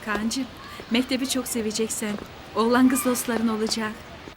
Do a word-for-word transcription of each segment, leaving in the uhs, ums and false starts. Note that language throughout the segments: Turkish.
Kaan'cığım, mektebi çok seveceksin. Oğlan kız dostların olacak.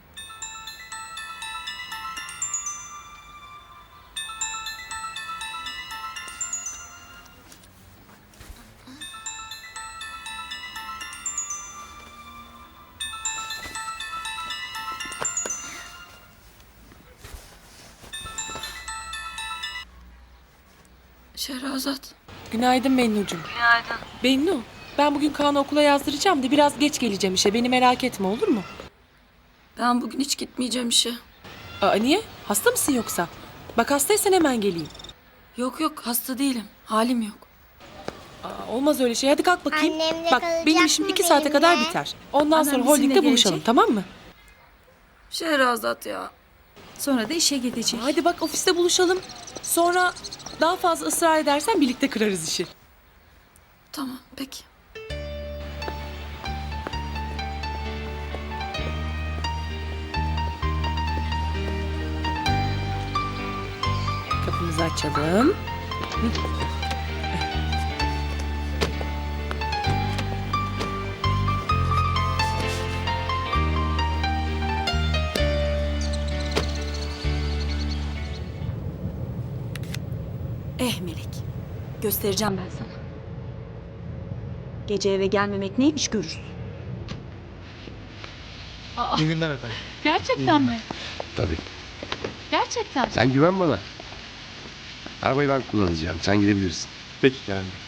Şehrazat. Günaydın Bennucuğum. Günaydın. Bennu, ben bugün Kaan'ı okula yazdıracağım da biraz geç geleceğim işe. Beni merak etme, olur mu? Ben bugün hiç gitmeyeceğim işe. Aa, niye? Hasta mısın yoksa? Bak hastaysan hemen geleyim. Yok yok hasta değilim. Halim yok. Aa, olmaz öyle şey. Hadi kalk bakayım. Annemle Bak kalacak benim işim mı iki saate kadar benimle? biter. Ondan Anam sonra bizimle holdingde buluşalım, gelecek. tamam mı? Şehrazat ya. Sonra da işe gidecek. Hadi bak ofiste buluşalım. Sonra daha fazla ısrar edersen birlikte kırarız işi. Tamam peki. Kapımızı açalım. Eh Melek, göstereceğim ben sana. Gece eve gelmemek neymiş görürsün. İyi günler efendim. Gerçekten mi? Tabii. Gerçekten. Sen güven bana. Arabayı ben kullanacağım. Sen gidebilirsin. Peki Kerem Bey.